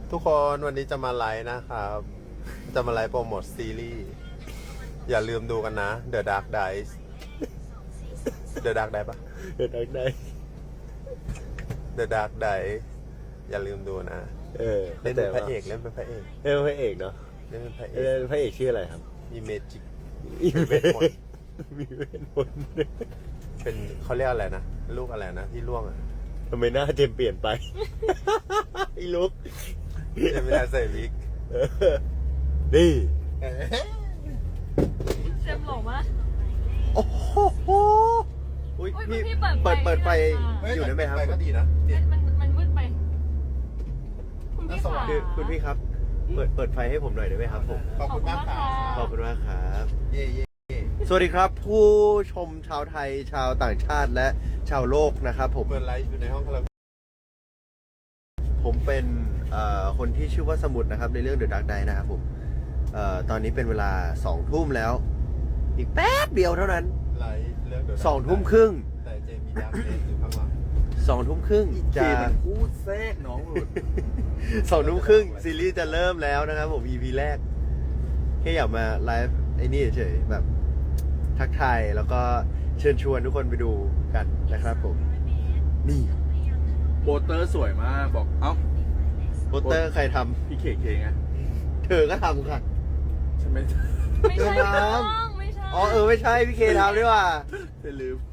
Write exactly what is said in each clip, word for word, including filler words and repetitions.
ทุกคนวันนี้จะมาไลฟ์นะครับ จะมาไลฟ์โปรโมทซีรีส์อย่าลืมดูกันนะ The Dark Dice The Dark Dice ปะเดินทางได้ The Dark Dice อย่าลืมดูนะเออเล่นเป็นพระเอกเล่นเป็นพระเอกเล่นเป็นพระเอกเนาะเล่นเป็นพระเอเล่กนเป็นพระเอกชื่ออะไรครับมีเมจิกมีเวทมนต์มีเวทมนต์เป็นเขาเรียกอะไรนะ ลูกอะไรนะที่ล่วงอ่ะทำไมหน้าเจมเปลี่ยนไป ไอ้ลุกจะไม่ได้ใส่วิกเออนี่เซมหล่อมากโอ้โหอุ้ยอุ๊ยพี่พี่เปิเปิดดไฟเปิดไฟด้วยอยู่ได้ไหมครับก็ดีนะมันมันมันมืดไป คุณพี่ขาคือคุณพี่ครับ เปิดเปิดไฟให้ผมหน่อยได้ไหมครับผมขอบคุณมากค่ะขอบคุณมากครับเย่เย่สวัสดีครับ ผู้ชมชาวไทยชาวต่างชาติและชาวโลกนะครับผมเปิดไลฟ์อยู่ในห้องคาราโอเกะผมเป็นเอ่อคนที่ชื่อว่าสมุดนะครับในเรื่อง The Dark Knight นะครับผมเอ่อตอนนี้เป็นเวลาสองทุ่มแล้ว อีกแป๊บเดียวเท่านั้นไลฟ์เรื่อง The Dark สองทุ่มครึ่งแต่เจมีดาร์กเนสอยู่ข้างหลังสองทุ่มครึ่งจะพูดแทรกน้องหลุดสองทุ่มครึ่งซีรีส์จะเริ่มแล้วนะครับผม อี พี แรก แค่อยากมาไลฟ์ไอ้นี่เฉยๆแบบทักทายแล้วก็เชิญชวนทุกคนไปดูกันนะครับผม นี่โปสเตอร์สวยมากบอก เอ้าโปสเตอร์ใครทพี่เคเคไงำเธอก็ทำค่ะใช่ไหมไม่ใช่เดินน้น้ำองไม่ใช่อ๋อเออไม่ใช่พี่เคทำด้วยว่ะจะลืม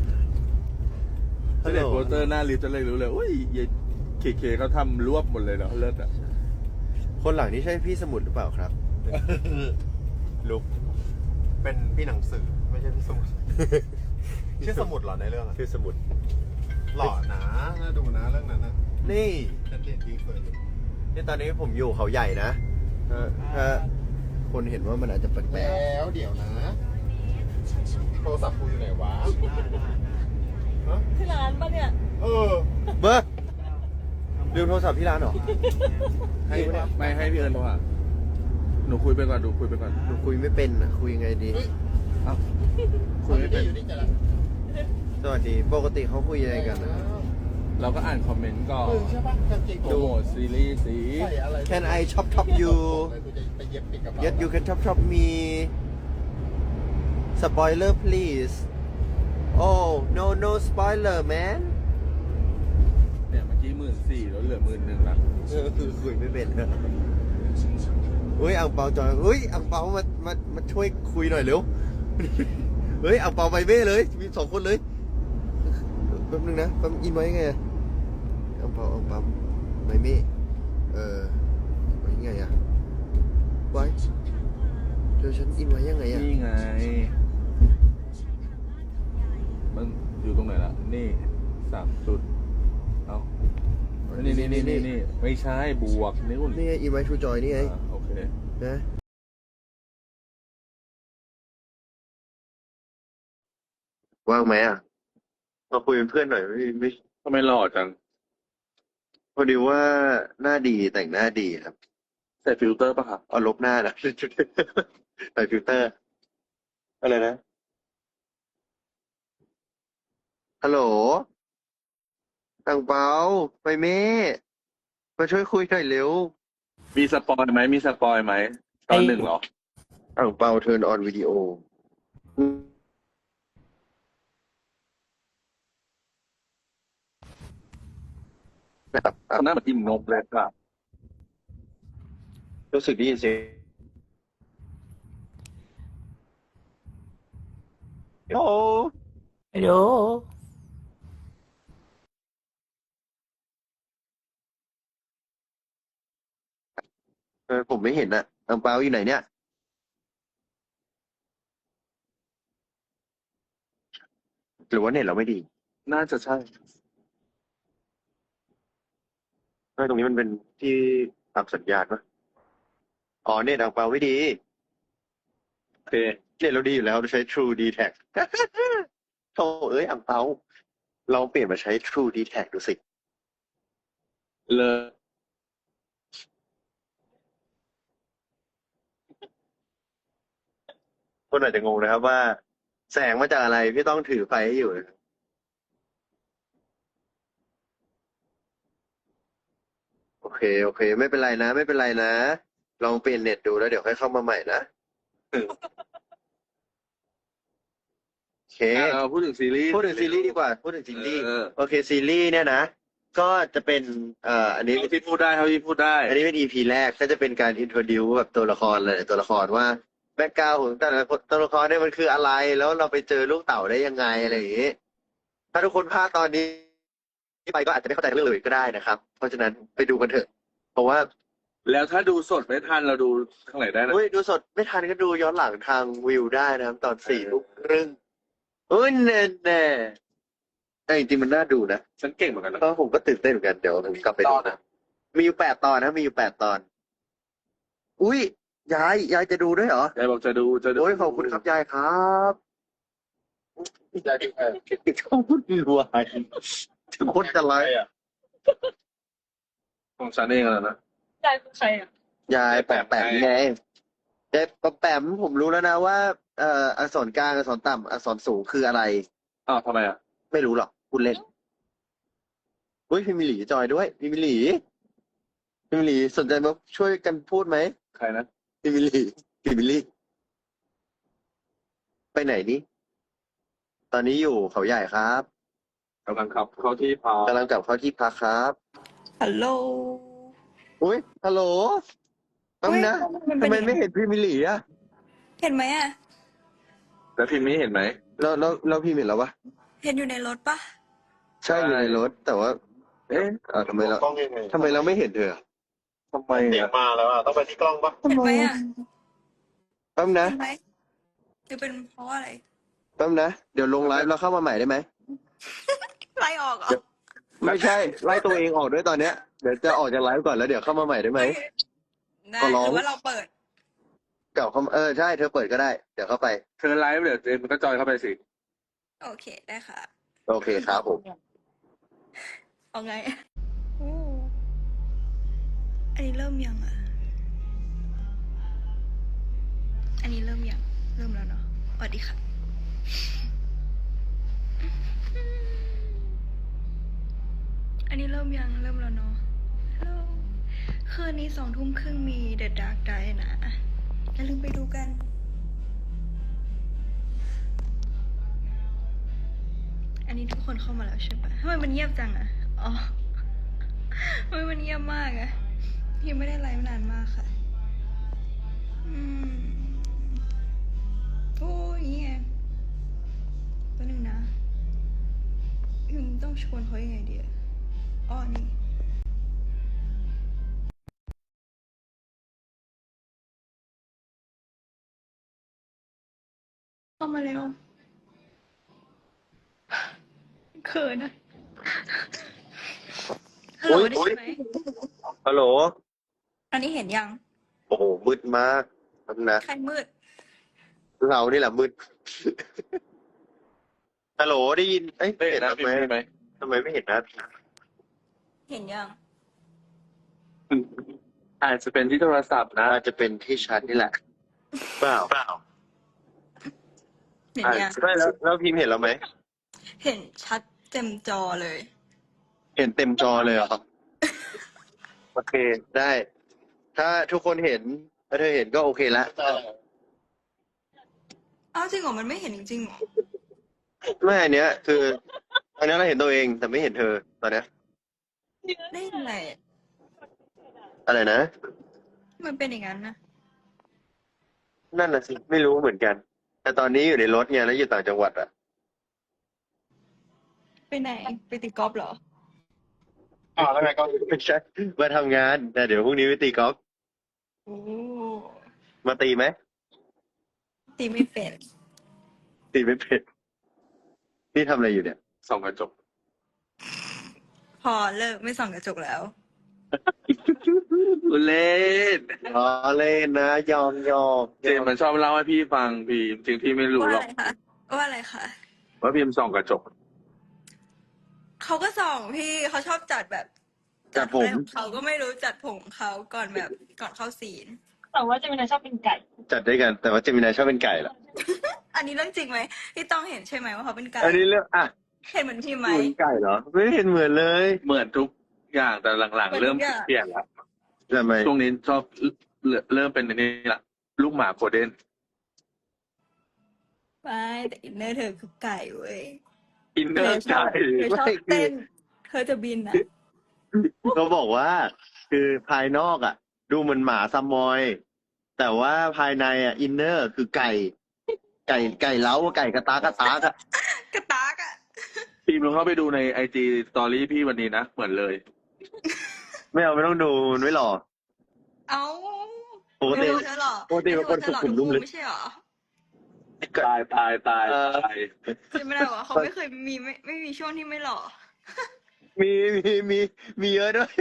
ฮัจะลโหลเห็นโปสเตอร์หน้าลิฟต์จะเลยรู้เลยอุ้ยเยเคเคเขาทำรวบหมดเลยเนาะเลิศอ่ะคนหลังนี่ใช่พี่สมุดหรือเปล่าครับลุกเป็นพี่หนังสือไม่ใช่พี่สมุด ชื่อสมุดเหรอในเรื่องอะชื่อสมุดหล่อนะน่าดูนะเรื่องนั้นนะนี่ฉันเรียนดีเคยเลยนี่ตอนนี้ผมอยู่เขาใหญ่นะถ้าถ้าคนเห็นว่ามันอาจจะแปลกแล้วเดี๋ยวนะ โทรศัพท์กูอยู่ไหนวะฮะที่ร้านปะเนี่ยเออๆเบอร์ลืมโทรศัพท์ที่ร้านเหรอให้ไม่ให้พี่เอิญโทรหาหนูคุยไปก่อนหนูคุยไปก่อนหนูคุยไม่เป็นอะคุยยังไงดีเอ้าคุยไม่เป็นอยู่นี่จะละสวัสดี ปกติเขาคุยยังไงกันนะเราก็อ่านคอมเมนต์ก่อนมึงใช่ปะกางเกงโปรโมทซีรีส์สีใส่อะไร Can I chop chop you กูจะไปเย็บปิดกระเป๋า Yes you can chop chop me Spoiler please Oh no no spoiler man เนี่ยเมื่อกี้หมื่นสี่แล้วเหลือหมื่นหนึ่งละเออคือคุยไม่เป็นนะอุ้ยอังเปาจอยอุ้ยอังเปามามามาช่วยคุยหน่อยเร็ว เฮ้ยอังเปาไปเบ้เลย มีสองคนเลยแป๊บนึงนะแป๊บอินไว้ไงอะอังเปาอังเปาไปเม่เออไว้ไงอะไว้เดี๋ยวฉันอินไว้ยังไงอะนี่ไง มันอยู่ตรงไหนล่ะ นี่สามจุด เอานี่นี่นี่นี่นี่ไม่ใช่บวกนิ้วนี่ไงอินไว้ทูจอยนี่ไงอ่าโอเคนะว่างไหมอ่ะมาคุยเป็นเพื่อนหน่อยไม่ไม่ทำไมหล่อจังพอดีว่าหน้าดีแต่งหน้าดีครับใส่ฟิลเตอร์ป่ะครับเอาลบหน้านะ ใส่ฟิลเตอร์ อะไรนะ ฮัลโหลตังเปาไปเม่มาช่วยคุยหน่อยเร็วมีสปอยไหม มีสปอยไหม ตอนหนึ่งเหรอตังเปาเทิร์นออนวิดีโอนะครับตอนนั้นมันอิ่มนมเลยครับรู้สึกได้ยินเสียงโอ้ฮัลโหลเออผมไม่เห็นอะตังเปาอยู่ไหนเนี่ย หรือว่าเน็ตเราไม่ดีน่าจะใช่เออตรงนี้มันเป็นที่ปรับสัญญาณปะอ๋อเน็ตอังเปาไม่ดีโอเคเน็ตเราดีอยู่แล้วเราใช้ True ดี แท็ก โธ่เอ้ยอังเปาลองเปลี่ยนมาใช้ True ดี แท็ก ดูสิเลยคนอาจจะงงนะครับว่า แสงมาจากอะไรพี่ต้องถือไฟให้อยู่นะครับโอเคโอเค ไม่เป็นไรนะ ไม่เป็นไรนะ ลองเปลี่ยนเน็ตดูแล้วเดี๋ยวค่อยเข้ามาใหม่นะโอเคอ่ะเราพูดถึงซีรีส์พูดถึงซีรีส์ดีกว่า พูดถึงซีรีส์เออโอเคซีรีส์เนี่ยนะ ก็จะเป็นเอ่ออันนี้เท่าที่พูดได้เท่าที่พูดได้อันนี้เป็น อี พี แรกก็จะเป็นการอินโทรดิวแบบตัวละครเลยตัวละครว่าแบ็กกราวด์ของแต่ละตัวละครเนี่ยมันคืออะไร แล้วเราไปเจอลูกเต่าได้ยังไงอะไรอย่างนี้ ถ้าทุกคนพลาดตอนนี้ไปก็อาจจะไม่เข้าใจเรื่องเลยก็ได้นะครับ เพราะฉะนั้นไปดูกันเถอะ เพราะว่าแล้วถ้าดูสดไม่ทันเราดูข้างไหนได้นะเฮ้ยดูสดไม่ทันก็ดูย้อนหลังทางวิวได้นะครับ ตอนสี่ทุ่มครึ่งเอ้ยแน่แน่แต่จริงๆมันน่าดูนะฉันเก่งเหมือนกันนะก็ผมก็ตื่นเต้นเหมือนกันเดี๋ยวผมกลับไปดูนะมีอยู่แปดตอนนะมีอยู่แปดตอน อุ้ยยายยายจะดูด้วยเหรอยายบอกจะดูจะดูโอ้ยขอบคุณครับยายครับยายดูใครชอบพูดรวยทุกคนจะไลฟ์อ่ะของฉันเองอะนะยายคือใครอ่ะยายแปมแปมไงยายแปมแปมผมรู้แล้วนะว่าเอ่ออักษรกลางอักษรต่ำอักษรสูงคืออะไรอ้าวทำไมอ่ะไม่รู้หรอกคุณเล่นอุ้ยพี่มิลลีจอยด้วยพี่มิลลีพี่มิลลีสนใจมาช่วยกันพูดไหมใครนะพี่มิลลีพี่มิลลีไปไหนนี่ตอนนี้อยู่เขาใหญ่ครับกำลังขับเข้าที่พากำลังกลับเข้าที่พักครับฮัลโหลอุ้ยฮัลโหลแป๊บนะมันทำเป็นไมยังไงไม่เห็นพี่มิลลีอะเห็นไหมอ่ะแล้วพิมพ์นี้เห็นไหมเราเราเราพี่เห็นแล้ววะเห็นอยู่ในรถปะใช่อยู่ในรถแต่ว่าเอ๊ะเออทำไมเรากล้องยังไงทำไมเราไม่เห็นเธอทำไมเสียงอ่ะมาแล้วอ่ะต้องไปที่กล้องปะเห็นไหมอ่ะแป๊บนะเห็นไหมหรือเป็นเพราะอะไรแป๊บนะเดี๋ยวลงไลฟ์แล้วเข้ามาใหม่ได้ไหมไล่ออกเหรอไม่ใช่ไล่ตัวเองออกด้วยตอนเนี้ยเดี๋ยวจะออกจากไลฟ์ก่อนแล้วเดี๋ยวเข้ามาใหม่ได้ไหมได้ขอร้องหรือว่าเราเปิดเก่าเข้ามาเออใช่เธอเปิดก็ได้เดี๋ยวเข้าไปเธอไลฟ์เดี๋ยวเจมมันก็จอยเข้าไปสิโอเคได้ค่ะโอเคครับผมเอาไงโอ้อันนี้เริ่มยังอ่ะ อันนี้เริ่มยัง เริ่มแล้วเนาะสวัสดีค่ะ อันนี้เริ่มยัง เริ่มแล้วเนาะฮัลโหลคืนนี้สองทุ่มครึ่งมี The Dark Knight นะ อย่าลืมไปดูกัน อันนี้ทุกคนเข้ามาแล้วใช่ปะทำไมมันเงียบจังอะอ๋อทำไมมันเงียบมากอะยังไม่ได้ไลฟ์นานมากค่ะ อืมโอ้ยเงี้ยแป๊บนึงนะอืมต้องชวนเขายังไงดีอะอ๋อนี่ เข้ามาเร็วเขินอะฮัลโหลได้ยินไหมฮัลโหลอันนี้เห็นยังโอ้โหมืดมากแป๊บนะใครมืดเรานี่แหละมืด ฮัลโหลได้ยินเอ้ยไม่เห็นนะทำพิมไมพ์นี้ไหมทำไมไม่เห็นหนะเห็นยังอาจจะเป็นที่โทรศัพท์นะอาจจะเป็นที่ชัดนี่แหละเปล่าเปล่าเห็นยังไม่แล้วแล้วพิมพ์เห็นแล้วไหมเห็นชัดเต็มจอเลยเห็นเต็มจอเลยเหรอ โอเคได้ ถ้าทุกคนเห็นถ้าเธอเห็นก็โอเคละอ้าวจริงเหรอ มันไม่เห็นจริงๆเหรอไม่อันเนี้ย คืออันนี้เราเห็นตัวเองแต่ไม่เห็นเธอตอนเนี้ยได้ยังไงอะไรนะมันเป็นอย่างนั้นนะนั่นน่ะสิไม่รู้เหมือนกัน แต่ตอนนี้อยู่ในรถไงแล้วอยู่ต่างจังหวัดอะไปไหน ไปตีกอล์ฟเหรออ่าแล้วไงก็ไม่ใช่มาทำงานแต่เดี๋ยวพรุ่งนี้ไปตีกอล์ฟโอ้มาตีไหมตีไม่เป็นตีไม่เป็นนี่ทำอะไรอยู่เนี่ยส่องกระจกพอเลิกไม่ส่องกระจกแล้วเล่นอ๋อเล่นนะยอมยอมเจมส์มันชอบเล่าให้พี่ฟังพี่จริงๆพี่ไม่รู้ว่าหรอะอกไรคะ ว่าอะไรคะว่าพิมพ์ส่องกระจกเขาก็ส่องพี่เขาชอบจัดแบบจัดผมอะไรของเขาก็ไม่รู้จัดผมของเขาก่อนแบบก่อนเข้าซีนแต่ว่าเจะมีนายชอบเป็นไก่จัดด้วยกัน แต่ว่าเจมินายชอบเป็นไก่เหรออันนี้เรื่องจริงไหมพี่ต้องเห็นใช่ไหมว่าเขาเป็นไก่อันนี้เรื่องอ่ะเห็นเหมือนพี่ไหมเป็นไก่เหรอ ไม่เห็นเหมือนเลยเหมือนทุกอย่างแต่หลังๆ เริ่มเปลี่ยนแล้วทำไมช่วงนี้ชอบเริ่มเริ่มเป็นอันนี้ละลูกหมาโกลเด้นไม่แต่อินเนอร์เธอคือไก่เว้ยอินเนอร์ใจเธอชอบเต้น เธอจะบินอ่ะเขาบอกว่า คือภายนอกอ่ะ ดูเหมือนหมาซัมมอย แต่ว่าภายในอ่ะอินเนอร์คือไก่ ไก่ไก่เล้าไก่กระตากกระตากอ่ะกระตากอ่ะพี่ลองเข้าไปดูในไอจีสตอรี่พี่วันนี้นะ เหมือนเลยไม่เอาไม่ต้องดูมันไม่หล่อเอ้าปกติไม่รู้เธอหรอปกติเป็นคนสุขุมนุ่มลึกไม่ใช่หรอตายตายตายเออตายใช่ไม่ได้หรอเขาไม่เคยมีไม่ไม่มีช่วงที่ไม่หล่อมีมีมีมีเยอะด้วย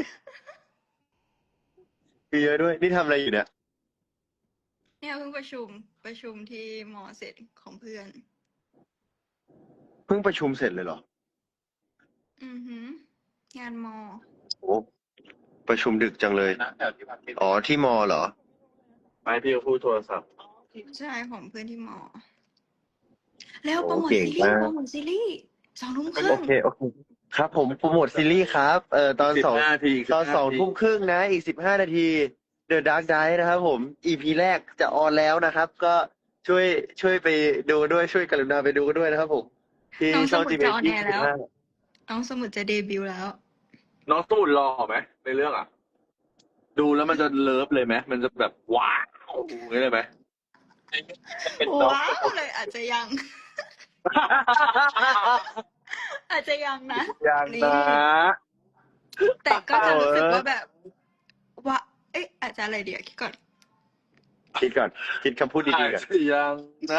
มีเยอะด้วย นี่ทำอะไรอยู่เนี่ยเนี่ยเพิ่งประชุมประชุมที่มอเสร็จของเพื่อนเพิ่งประชุมเสร็จเลยเหรออือหืองานมอโอ้ประชุมดึกจังเลย อ๋อที่มอเหรอไม่พี่ก็พูดโทรศัพท์ใช่ของเพื่อนที่มอ แล้วโอ้โปรโมทเก่งซีรีส์มากโปรโมทซีรีส์สองทุ่มครึ่โอง เค โอเค ครับผมโปรโมทซีรีส์ครับ เอ่อตอนสิบสองห้านาทีตอนสิบห้าสองนาทีทุ่มครึ่งนะ อีกสิบห้านาที The Dark Knight นะครับผม อี พี แรกจะออนแล้วนะครับ ก็ช่วยช่วยไปดูด้วยช่วยกรุณาไปดูกันด้วยนะครับผม ที่น้องสช่องมุดจีจะเอ็ออนยี่แอร์สิแล้วบห้าน้องสมุดจะเดบิวต์แล้วน้องสมุดรอไหมในเรื่องอ่ะ ดูแล้วมันจะเลิฟเลยไหมมันจะแบบว้าวอย่างนี้เลยไหมว้าวเลยอาจจะยัง อาจจะยังนะอย่างนี่นะแต่ก็จะรู้สึกว่าแบบว่า เอ๊ะ อาจจะอะไรเดี๋ยวคิดก่อนคิดก่อน คิดคำพูดดีอาจๆก่อนจะยังนะ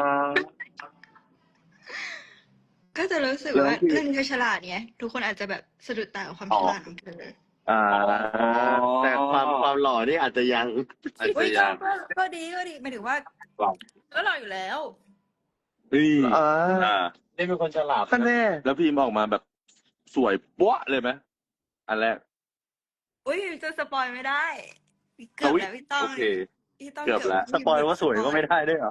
ก็จะรู้สึกแล้วว่าที่เรื่องนี้เธอฉลาดไงทุกคนอาจจะแบบสะดุดตากับความอ๋อฉลาดของเธออ่า แต่ความความหล่อนี่อาจจะยังอาจอุ้จะยยังก็ก็ดีก็ดีหมายถึงว่า ก็รออยู่แล้วนี่อ่าอ่านี่เป็นคนฉลาดท่านแน่แล้วพิมพ์ออกมาแบบสวยป๊ะเลยไหมอันแรกอุ้ยจะสปอยไม่ได้ เกือบแล้วพี่ต้องโอเคพี่ต้องเกือบแล้วสปอยว่าสวยก็ไม่ได้ด้วยเหรอ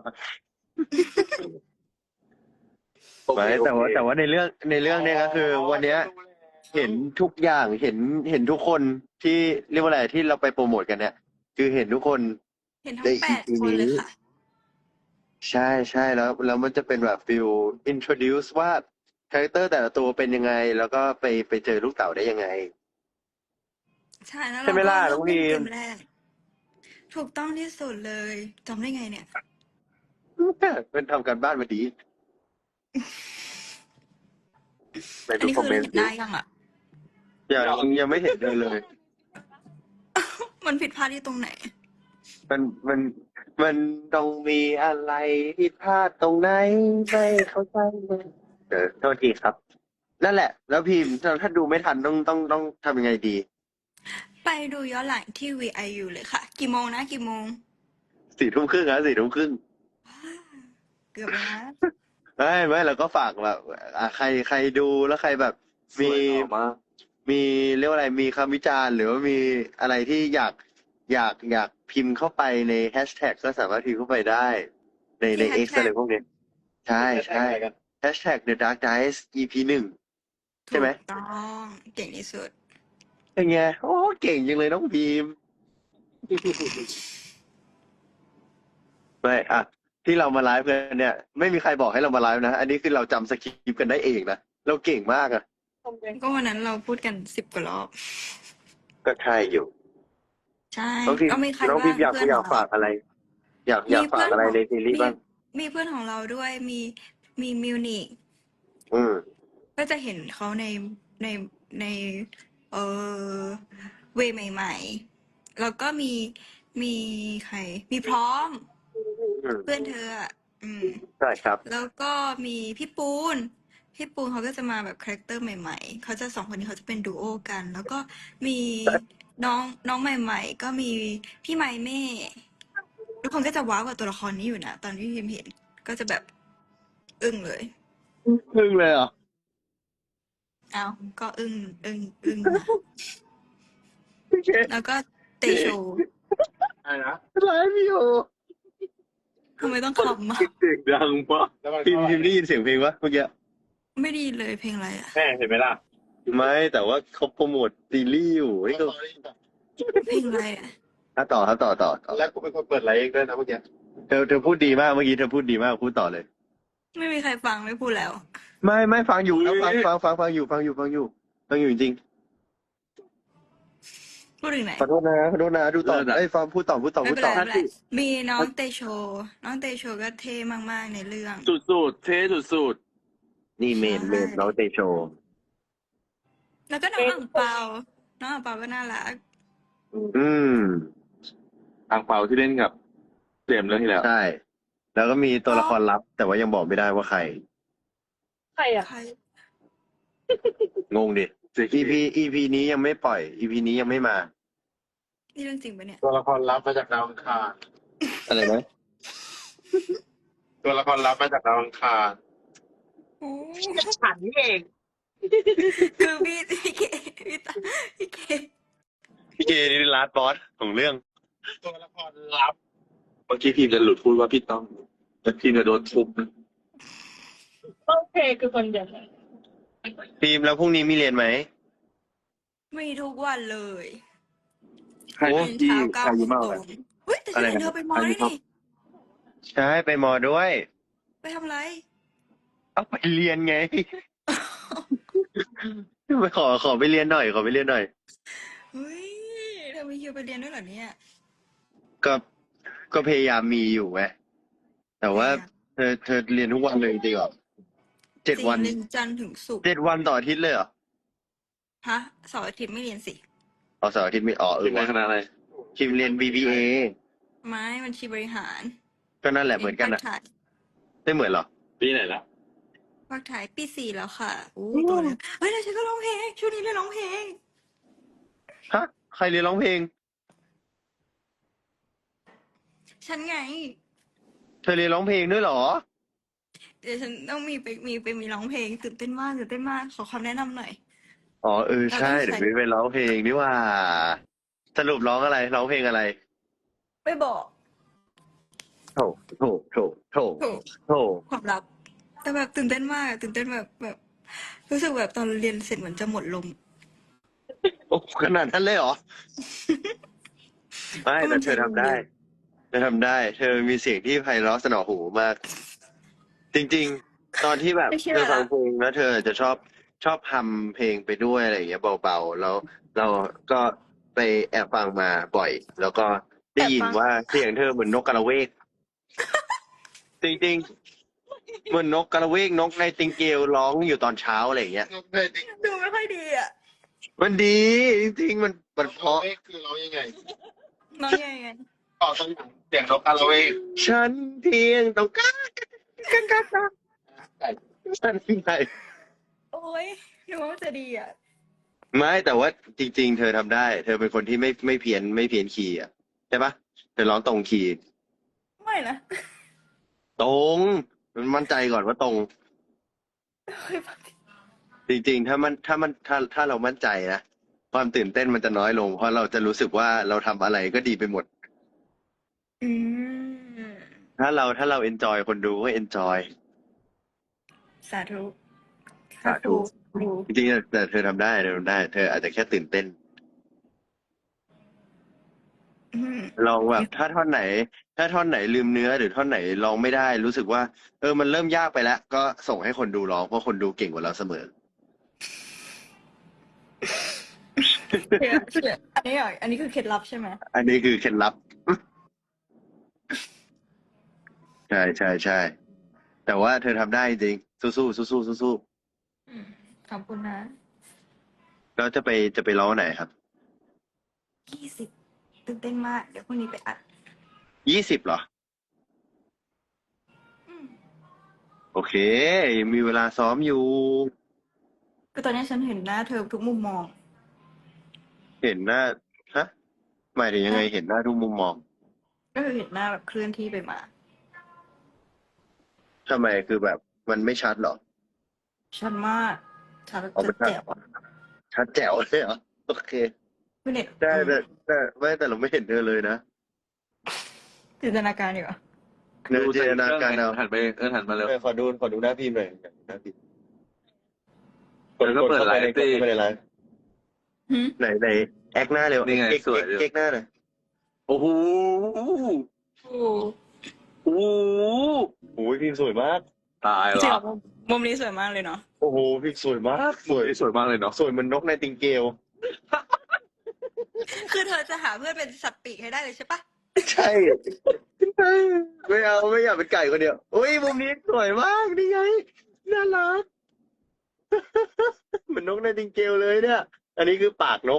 โอเคไม่แต่ว่าโอเคแต่ว่าในเรื่องในเรื่องเนี้ยก็คือ วันเนี้ย เห็นทุกอย่างเห็นเห็นทุกคนที่เรียกว่าอะไรที่เราไปโปรโมทกันเนี่ย คือเห็นทุกคนเห็นทั้งแปดคนเลยค่ะใช่ใช่แล้ว แล้วมันจะเป็นแบบฟิล introduce ว่าคาแรคเตอร์แต่ละตัวเป็นยังไง แล้วก็ไปไปเจอลูกเต๋าได้ยังไงใช่แล้วใช่ไหมล่ะเราน้องก็พีเริ่มมเกมแรก ถูกต้องที่สุดเลยจำได้ไงเนี่ยเป็นทำการบ้านมาดีไปอันดูนี้คอมคือเมนเห็ต์นได้ยังอ่ะยังยังไม่เห็นเลยเลยมันผิดพลาดที่ตรงไหนมันมันมันต้องมีอะไรผิดพลาดตรงไหนไม่เข้าใจเลยเออโทษทีครับ นั่นแหละ แล้วพิมพ์ถ้าถ้าดูไม่ทันต้องต้องต้องทำยังไงดีไปดูย้อนหลังที่ วี ไอ ยู เลยค่ะ กี่โมงนะกี่โมงสี่ทุ่มครึ่งนะสี่ทุ่มครึ่งเกือบแล้วนะไม่ไม่เราก็ฝากแบบอ่ะใครใครดูแล้วใครแบบสมีวยมากมีเรียกว่าอะไรมีคำวิจารณ์ หรือว่ามีอะไรที่อยากอยากอยากพิมพ์เข้าไปในแฮชแท็กก็สามารถพิมพ์เข้าไปได้ ในในที่ X hashtag อะไรพวกนี้ ใช่ใช่แฮชแท็ก The Dark Dice อี พี หนึ่ง ใช่ไหมถูกต้องเก่งที่สุดเป็นไงโอ้เก่งจังเลยน้องพิมพ์ ไม่อะที่เรามาไลฟ์กันเนี่ย ไม่มีใครบอกให้เรามาไลฟ์นะ อันนี้คือเราจำสคริปต์กันได้เองนะเราเก่งมากอะก็วันนั้นเราพูดกันสิบกว่ารอบก็ใช่อยู่ใช่น้องพิมพ์ก็มีใครน้องบ้าพิงมพ์อยากเพื่อนอยากของฝาเรากอะไร อยากอยากฝากอะไรในซีรีส์บ้างมีมีเพื่อนของเราด้วยมีมีมิวนิกอืมก็จะเห็นเขาในในในเออเวย์ใหม่ๆ แล้วก็มีมีใคร มีพร้อมอืมเพื่อนเธออะอืมใช่ครับแล้วก็มีพี่ปูน พี่ปูนเขาก็จะมาแบบคาแรคเตอร์ใหม่ๆ เขาจะสองคนนี้เขาจะเป็นดูโอกัน แล้วก็มีน้องน้องใหม่ๆ ก็มีพี่ไมเม่ ทุกคนก็จะว้าวกับตัวละครนี้อยู่นะ ตอนที่พิมเห็น ก็จะแบบอึ้งเลยครึ่งเลยเหรอเอาก็อึ้งอึ้งอึ้งนะแล้วก็เตโชอะไรนะไลฟ์อยู่ทำไมต้องคอมอ่ะเสียงดังปะพิมพ์พิมพ์ได้ยินเสียงเพลงปะเมื่อกี้ไม่ดีเลยเพลงอะไรอ่ะแม่เห็นไหมล่ะไม่แต่ว่าเขาโปรโมทซีรีส์อยู่นี่ก็เพลงอะไรอ่ะอ่ะต่อครับต่อต่อต่อแล้วกูเป็นคนเปิดไลฟ์เองด้วยนะเมื่อกี้เธอเธอพูดดีมากเมื่อกี้เธอพูดดีมากพูดต่อเลยไม่มีใครฟังไม่พูดแล้วไม่ไม่ฟังอยู่แล้วฟังฟังฟังฟังอยู่ฟังอยู่ฟังอยู่ฟังอยู่จริงพูดถึงไหนๆขอโทษนะขอโทษนะดูต่อไอ้ยฟังพูดต่อพูดต่อไม่พูดเป็นไรต่อไม่เป็นไรมีน้องเตโช น้องเตโชก็เท่มากๆในเรื่องสุดๆเท่สุดนี่เมนเมนน้องเตโชแล้วก็น้องอ่างเปา น้องอ่างเปาก็น่ารักอืมๆอังเปาที่เล่นกับเจมส์เรื่องที่แล้วใช่ แล้วก็มีตัวละครลับ แต่ว่ายังบอกไม่ได้ว่าใครใครอ่ะใครงงดิ EP EP นี้ยังไม่ปล่อย EP นี้ยังไม่มานี่เรื่องจริงปะเนี่ยตัวละครลับมาจากดาวอังคารอะไรนะตัวละครลับมาจากดาวอังคารโอ้ฉันเองคือพี่พี่เกพี่ตาพี่เกพี่เกนี่ลาสบอสของเรื่องตัวละครลับเมื่อกี้พิมพ์จะหลุดพูดว่าพี่ต้องแต่พิมพ์จะโดนทุบนะโอเคคือคนเดียวกันฟิล์มแล้วพรุ่งนี้มีเรียนไหมมีทุกวันเลยใครโอ้ตื่นที่เช้าเก้าอาโมยุงมากตกรว่างเฮ้ยแต่อะไรฉันนะเธอไปมออายุได้เท่านี่ใช่ไปมอด้วยไปทำอะไรเอาไปเรียนไง ไปขอขอไปเรียนหน่อยขอไปเรียนหน่อยเฮ้ยเธอมีคิวไปเรียนด้วยเหรอเนี่ยก็ก็พยายามมีอยู่ไงแต่ว่าเธอเธอเรียนทุกวันเลยจริงเหรอเจ็ดวันเรียนจันทร์ถึงศุกร์เจ็ดวันต่ออาทิตย์เลยเหรอฮะเสาร์อาทิตย์ไม่เรียนสิอ๋อเสาร์อาทิตย์ไม่อ๋อเอเป็อนในวะคณะอะไรคิมเรียน บี บี เอไม้บัญชีบริหารก็นั่นแหละเหมือนกันภาอะคถ่ายไม่เหมือนเหรอปีไหนละภาคถ่ายปีสี่แล้วค่ะอู้โตแล้วเฮ้ยแล้วฉันก็ร้องเพลงช่วงนี้เล่นร้องเพลงฮะ ใครเรียนร้องเพลงฉันไงเธอเรียนร้องเพลงด้วยเหรอเดี๋ยวฉันต้องมีไปมีไปมีร้องเพลงตื่นเต้นมากตื่นเต้นมากขอคำแนะนำหน่อยอ๋อเออใช่เราต้องใส่เดี๋ยวไปไปร้องเพลงนี่ว่า สรุปร้องอะไรร้องเพลงอะไรไม่บอกโถโถโถโถถูกโถความลับ แต่แบบตื่นเต้นมากอะตื่นเต้นแบบแบบ รู้สึกแบบตอนเรียนเสร็จเหมือนจะหมดลมโอ้ขนาดนั้นเลยเหรอ ไม่ก็มัแต่นเธอทำได้ใช้ลมเยเธอทำได้ เธอมีเสียงที่ไพเราะสนอหูมาก จริง ๆ ตอนที่แบบไม่เชื่อเธอฟังเพลงแล้วเธอจะชอบชอบฮัมเพลงไปด้วยอะไรอย่างเงี้ยเบาๆแล้วเราก็ไปแอบฟังมาบ่อย แล้วก็ได้ยินว่าเสียงเธอเหมือนนกกระเวก จริงๆเหมือนนกกระเวกนกในติงเกลร้องอยู่ตอนเช้าอะไรอย่างเงี้ยนกเลยดิดูไม่ค่อยดีอ่ะมันดี จริงๆมันมันเพราะเวกคือร้องยังไงน้องยังไงต่อตรงเสียงนกกาละเวกฉันเพียงต้องการกันกันกันฉันไงโอ้ยนึกว่ามันจะดีอ่ะไม่แต่ว่าจริง ๆ เธอทำได้ เธอเป็นคนที่ไม่ไม่เพี้ยนไม่เพี้ยนคีย์อ่ะใช่ปะเธอร้องตรงคีย์ไม่นะตรงมันมั่นใจก่อนว่าตรง จริง ๆ ถ้ามันถ้ามันถ้าถ้าเรามั่นใจนะความตื่นเต้นมันจะน้อยลง เพราะเราจะรู้สึกว่าเราทำอะไรก็ดีไปหมดอืมถ้าเราถ้าเราเอนจอยคนดูก็เอนจอยสาธุสาธุครูจริงๆแต่เธอทำได้เธอทำได้ เธออาจจะแค่ตื่นเต้นอืมลองแบบถ้าท่อนไหน ถ้าท่อนไหนลืมเนื้อหรือท่อนไหนร้องไม่ได้ รู้สึกว่า เออมันเริ่มยากไปแล้ว ก็ส่งให้คนดูร้องเพราะคนดูเก่งกว่าเราเสมอเชื่อเชื่ออันนี้เหรออันนี้คือเคล็ดลับใช่ไหมอันนี้คือเคล็ดลับ ใช่ใช่ใช่แต่ว่าเธอทำได้จริงสู้สู้สู้สู้สู้สู้อืมขอบคุณนะๆแล้วจะไปจะไปร้องไหนครับยี่สิบตื่นเต้นมาก เดี๋ยวพรุ่งนี้ไปอัดยี่สิบเหรออืมโอเค มีเวลาซ้อมอยู่คือตอนนี้ฉันเห็นหน้าเธอทุกมุมมองเห็นหน้าฮะหมายถึงยังไงเห็นหน้าทุกมุมมองก็คือเห็นหน้าแบบเคลื่อนที่ไปมาทำไมคือแบบมันไม่ชัดเหรอชัดมากชัดเอาไปจะแจ๋วอะชัดแจ๋วเลยเหรอโอเคคือเน็ตได้แต่แต่ไม่แต่เราไม่เห็นเธอเลยนะจินตนาการดีกว่าเนื้อจินตนาการเอาหันไปเออหันมาเร็วเออขอดูขอดูหน้าพิมพ์หน่อยหน้าพิมพ์เดี๋ยวก็เปิดไลฟ์สิไม่ได้ไลฟ์หืมไหนไหนแอคหน้าเร็วนี่ไงเก๊กสวยเก๊กเก๊กหน้าหน่อยโอ้โหโอ้โอ้โหโอ้ยพิมพ์สวยมากตายจริงละเหรอมุมนี้สวยมากเลยเนาะโอ้โหพิมพ์สวยมากสวยสวยมากเลยเนาะสวยเหมือนนกในติงเกลคือเธอจะหาเพื่อนเป็นสัตว์ปีกให้ได้เลยใช่ปะใช่ไม่เอาไม่อยากเป็นไก่คนเดียวโอ้ยมุมนี้สวยมากนี่ไงน่ารัก เหมือนนกในติงเกลเลยเนี่ย อันนี้คือปากนก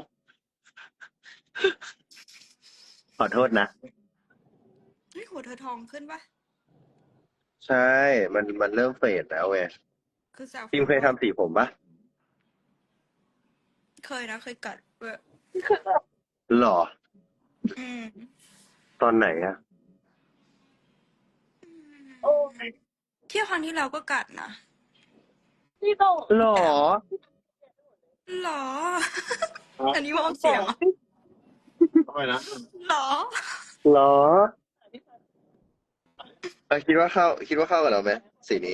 ขอโทษนะเฮ้ยหัวเธอทองขึ้นปะใช่ มันมันเริ่มเฟดแล้วไงคือแซวพิมเคยทำสีผมปะเคยนะเคยกัดเว้ยหรออืมตอนไหนอะเที่ยวครั้งที่เราก็กัดนะพี่ต้องหรอหรอ อันนี้มองเสียงเหรอทำไมนะหรอหรออ่ะคิดว่าเข้า คิดว่าเข้ากับเราไหมสีนี้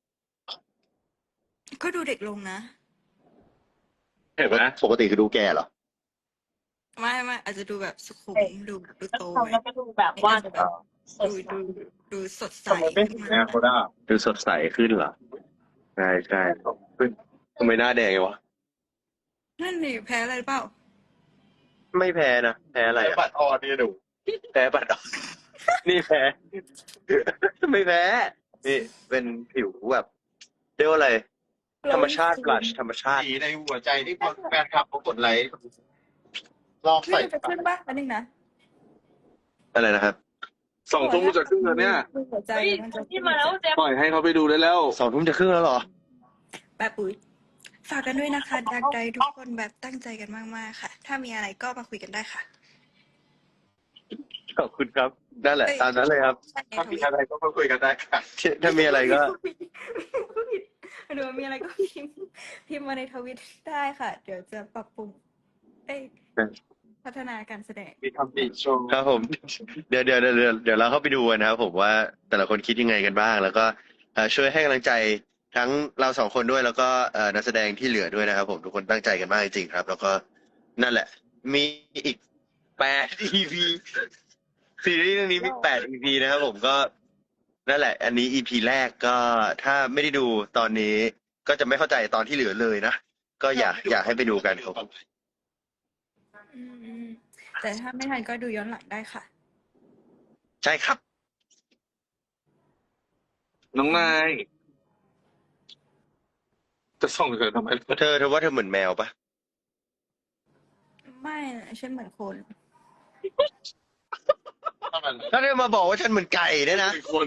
ก็ดูเด็กลงนะเห็นไหมปกติคือดูแก่เหรอไม่ไม่อาจจะดูแบบสุขุมดูแบบดูโตทำไงแล้วก็ดูแบบว่าอาจจะแบบดูดูดูสดใสขึ้นมาดูสดใสขึ้นเหรอ ใช่ใช่เฮ้ยทำไมหน้าแดงไงวะนั่นนี่แพ้อะไรเปล่าไม่แพ้นะ แพ้อะไรอะบัตรออนนี่หนูแพ้บัตรออกนี่แพ้ ไม่แพ้ นี่เป็นผิวแบบเรียกว่าอะไร ธรรมชาติบลัชธรรมชาติสีในหัวใจที่แฟนคลับเขากดไลค์ลองไม่ใส่จะขึ้นปะอันนึงนะอะไรนะครับสองทุ่มจะครึ่งแล้วเนี่ยดูหัวใจเฮ้ยมันจะที่มาแล้วเจ๊ปล่อยให้เขาไปดูได้แล้วสองทุ่มจะครึ่งแล้วเหรอแบบปุ๋ยฝากกันด้วยนะคะดักใจทุกคนแบบตั้งใจกันมากๆค่ะ ถ้ามีอะไรก็มาคุยกันได้ค่ะขอบคุณครับ นั่นแหละ ตามนั้นเลยครับถ้ามีอะไรก็มาคุยกันได้ค่ะถ้ามีอะไรก็หรือว่ามีอะไรก็พิมพ์พิมพ์มาในทวิตได้ค่ะ เดี๋ยวจะปรับปรุงเอ้ยพัฒนาการแสดงมีทำดีโชว์ครับผม เดี๋ยวเดี๋ยวเดี๋ยวเดี๋ยวเดี๋ยวเราเข้าไปดูกันนะครับผมว่าแต่ละคนคิดยังไงกันบ้าง แล้วก็เอ่อช่วยให้กำลังใจทั้งเราสองคนด้วย แล้วก็เอ่อนักแสดงที่เหลือด้วยนะครับผมทุกคนตั้งใจกันมากจริงๆครับ แล้วก็นั่นแหละ มีอีกแปด อี พี ซีรีส์เรื่องนี้มีแปด อี พี นะครับผมก็นั่นแหละ อันนี้ อี พี แรกก็ถ้าไม่ได้ดูตอนนี้ก็จะไม่เข้าใจตอนที่เหลือเลยนะก็อยากอยากให้ไปดูกันครับอืมแต่ถ้าไม่ทันก็ดูย้อนหลังได้ค่ะใช่ครับน้องนาย จะส่งเธอทำไมเธอเธอว่าเธอเหมือนแมวปะไม่นะฉันเหมือนคนถ้าเธอมาบอกว่าฉันเหมือนไก่เนี่ยนะเป็นคน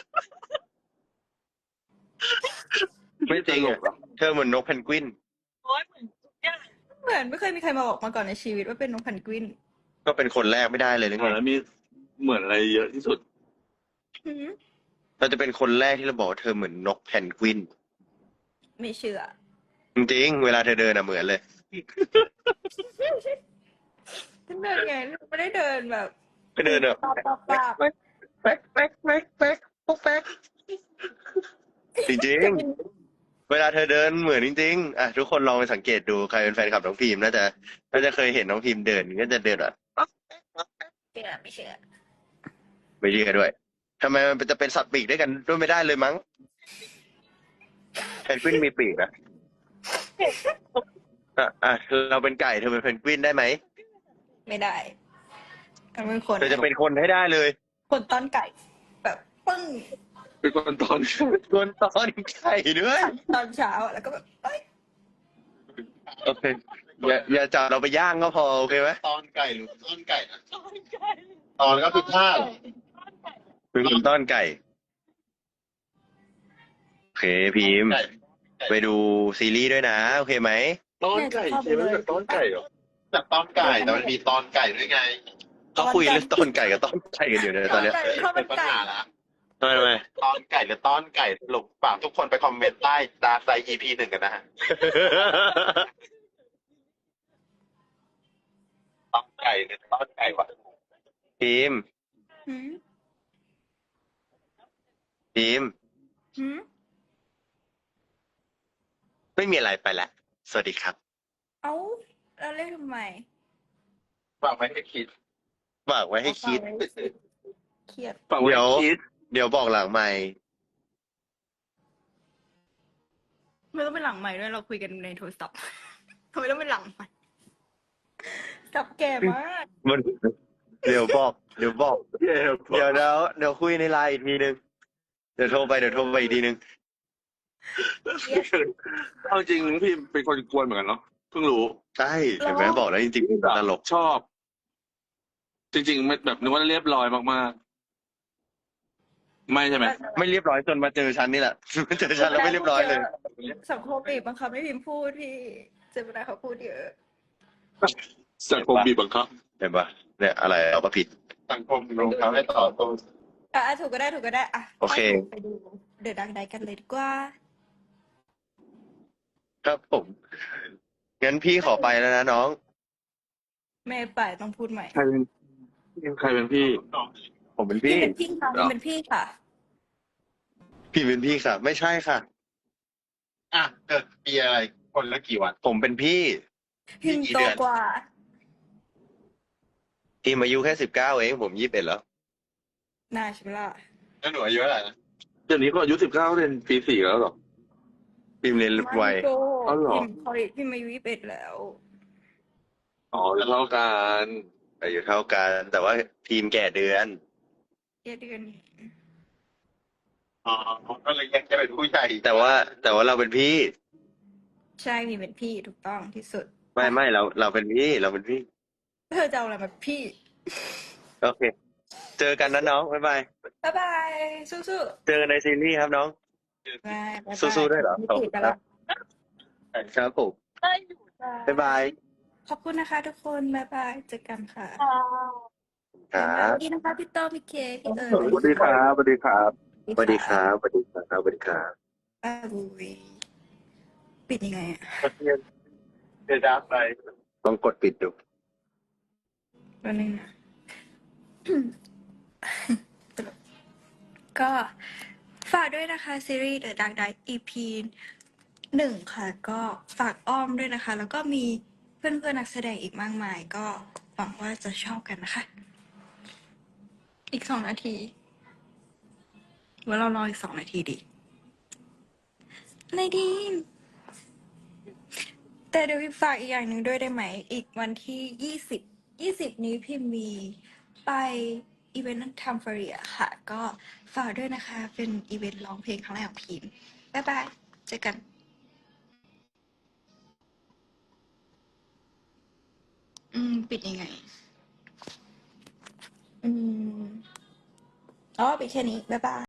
ไม่จริงตลอ่ะกหรอเธอเหมือนนกเพนกวินโอ้ยเหมือนทุกอย่างเหมือนไม่เคยมีใครมาบอกมาก่อนในชีวิตว่าเป็นนกพันกวินก็เป็นคนแรกไม่ได้เลยหรือเหมืไงอนแล้วมีเหมือนอะไรเยอะที่สุดหืมเราจะเป็นคนแรกที่เราบอกว่าเธอเหมือนนกเพนกวินไม่เชื่อจริงๆเวลาเธอเดินอ่ะเหมือนเลยฉันเดินไงไม่ได้เดินแบบก็เดินแบบปาบปาบปาบแป๊กแป๊กแป๊กแป๊กปุ๊กแป๊กจริงๆเวลาเธอเดินเหมือนจริงๆอ่ะทุกคนลองไปสังเกตดูใครเป็นแฟนคลับน้องพิมน่าจะน่าจะเคยเห็นน้องพิมเดินก็จะเดินแบบเชื่อไม่เชื่อไม่เชื่อด้วยทำไมมันจะเป็นสัตว์ปีกด้วยกันด้วยไม่ได้เลยมั้งเพนกวินมีปีกนะอ่ะอ่ะเราเป็นไก่เธอเป็นเพนกวินได้ไหมไม่ได้มันเป็นคนเธอจะเป็นคนให้ได้เลยคนต้อนไก่ แบบปึ้งเป็นคนตอนคนตอนไก่ด้วยตอนเช้าอะแล้วก็แบบเอ้ยโอเคอย่าอย่าจับเราไปย่างก็พอโอเคไหมตอนไก่หรือต้นไก่นะตอนก็คือท่าเป็นคนต้อนไก่โอเคพิมพ์ไก่ไปดูซีรีส์ด้วยนะโอเคไหมตอนไก่ใช่ไหมจากตอนไก่เหรอจากตอนไก่แต่มันมีตอนไก่ด้วยไงเขาคุยเรื่องต้นไก่กับต้นไก่กันอยู่เนี่ยตอนเนี้ยไก่ข้าวมัเป็น นปัญไก่หาละทำไมทำไมตอนไก่หรือต้อนไก่สรุปฝากทุกคนไปคอมเมนต์ใต้ดาร์ไซ อี พี หนึ่งกันนะฮะตอนไก่หรือต้อนไก่วะพิมพ์หืมพิมพ์หืมไม่มีอะไรไปแหละสวัสดีครับเอ้าแล้วเรียกทำไมฝากไว้ให้คิดฝากไว้ให้คิดเอาฝากไว้เครียดฝากไว้เดี๋ยวให้คิดเดี๋ยวบอกหลังไม่ไม่ต้องเป็นหลังใหม่ด้วยเราคุยกันในโทรศัพท์ ทำไมต้องเป็นหลังใหม่สับแก่มากมันเดี๋ยวบอก เดี๋ยวบอกเดี๋ยวเดี๋ยวเดี๋ยวเดี๋ยวคุยในไลน์อีกทีนึง เดี๋ยวโทรไปเดี๋ยวโทรไปอีกทีนึงเอาจริงพี่เป็นคนกวนเหมือนกันเนาะเพิ่งรู้ใช่เห็นไหมบอกแล้วจริงๆเป็นตลกชอบ จริงๆไม่แบบนึกว่าเรียบร้อยมากๆ ไม่ใช่ไหมไม่เรียบร้อยจนมาเจอฉันนี่แหละ มาเจอฉันแล้วไม่เรียบร้อยเลยสังคมบีบบังคับให้พิมพ์พูดพี่เจมินาเขาพูดเยอะสังคมบีบบังคับเห็นปะเนี่ยอะไรเอามาผิดสังคมลงท้าให้ต่อตรงอ่ะถูกก็ได้ถูกก็ได้อ่ะโอเคไปดูเดอะดังไดกันเลยดีกว่าครับผม งั้นพี่ขอไปแล้วนะน้องไม่ไปต้องพูดใหม่ใครเป็นใครเป็นพี่ผมเป็นพี่พี่เป็นพี่ค่ะพี่เป็นพี่ค่ะพี่เป็นพี่ค่ะ ไม่ใช่ค่ะอ่ะเกิดปีอะไร คนละกี่วันผมเป็นพี่พิมพ์โตกว่าทีมอายุแค่สิบเก้าเอง ผมยี่สิบเอ็ดแล้วน่าใช่ไหมล่ะแล้วหนูอายุเท่าไหร่นะเดี๋ยวนี้ก็อายุสิบเก้าเรียนปีสี่แล้วเหรอพิมพ์เรียนไวไม่โกอ๋อเหรอพิมพ์เขาพิมพ์อายุยี่สิบเอ็ดแล้วอ๋อเท่ากันอายุเท่ากัน แต่ว่าทีมแก่เดือนเดือนเดือนอ๋อก็เลยยังจะเป็นผู้ใหญ่แต่ว่า แต่ว่าเราเป็นพี่ใช่พิมพ์เป็นพี่ถูกต้องที่สุดไม่ไม่เราเราเป็นพี่ เราเป็นพี่เธอจะเอาอะไรมาพี่โอเค เจอกันนะน้อง บ๊ายบายบ๊ายบายสู้เจอกันในซีรีส์ครับน้องๆบ๊ายบายสู้ๆด้วยเหรอไม่ติดกันละครับผม บ๊ายบายขอบคุณนะคะทุกคนบ๊ายบายเจอกันค่ะครับสวัสดีนะคะพี่โตพี่เคพี่เอิญสวัสดีครับสวัสดีครับสวัสดีครับ สวัสดีครับ สวัสดีครับอ้าวบุยปิดยังไงอ่ะเดือดดักไปลองกดปิดดูแป๊บนึงนะ ก็ฝากด้วยนะคะ ซีรีส์ The Dark Knight อี พี หนึ่งค่ะ ก็ฝากอ้อมด้วยนะคะ แล้วก็มีเพื่อนๆนักแสดงอีกมากมาย ก็หวังว่าจะชอบกันนะคะ อีกสองนาทีว่าเรารออีกสองนาทีดิในดีมแต่เดี๋ยวพี่ฝากอีกอย่างหนึ่งด้วยได้ไหม อีกวันที่ยี่สิบยี่สิบนี้พิมมีไปอีเวนต์ทำฟรีอะค่ะ ก็ฝากด้วยนะคะ เป็นอีเวนต์ร้องเพลงครั้งแรกของพิมบ๊ายบาย เจอกัน อืม ปิดยังไง อืม อ๋อปิดแค่นี้ บ๊ายบาย